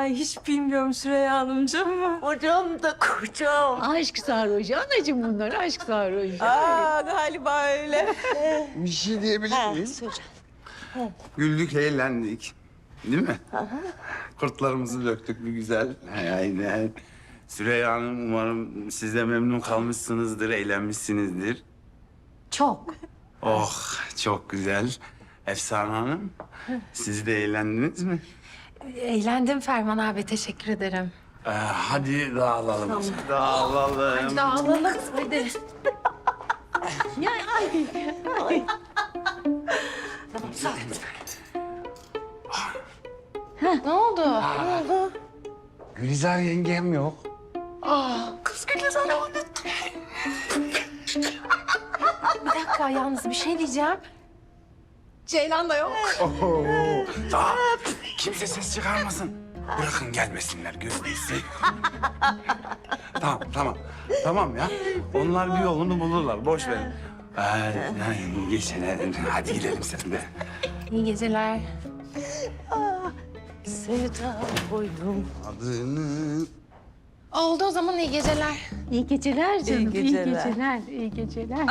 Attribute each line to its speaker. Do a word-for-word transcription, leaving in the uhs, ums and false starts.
Speaker 1: Ay hiç bilmiyorum Süreyya Hanımcığım.
Speaker 2: Hocam da kocam.
Speaker 3: Aşk sarhoşu anacığım bunlar aşk sarhoşu.
Speaker 1: Aa galiba öyle.
Speaker 4: Bir şey diyebilir miyim?
Speaker 2: Söyle.
Speaker 4: Güldük, eğlendik. Değil mi? Kurtlarımızı döktük bir güzel. Aynen. Süreyya Hanım, umarım siz de memnun kalmışsınızdır, eğlenmişsinizdir.
Speaker 1: Çok.
Speaker 4: Oh, çok güzel. Efsane Hanım, siz de eğlendiniz mi?
Speaker 1: Eğlendim Ferman abi, teşekkür ederim.
Speaker 4: Ee, hadi dağılalım. Dağılalım.
Speaker 1: Dağılalım hadi.
Speaker 3: Ya ay.
Speaker 1: Ne oldu?
Speaker 4: Gülizar yengem yok.
Speaker 1: Kız Gülizar'ı unuttum. Bir dakika yalnız bir şey diyeceğim. Ceylan da yok.
Speaker 4: Oho. Aa, kimse ses çıkarmasın. Bırakın gelmesinler gözünüzü. Tamam, tamam. Tamam ya. Onlar bir yolunu bulurlar. Boş verin. Ee, yani geçene, hadi gidelim sen de.
Speaker 1: İyi geceler.
Speaker 2: Sevda koydum.
Speaker 4: Adını...
Speaker 1: Oldu o zaman iyi geceler.
Speaker 3: İyi geceler canım.
Speaker 2: İyi geceler.
Speaker 3: İyi geceler. İyi geceler.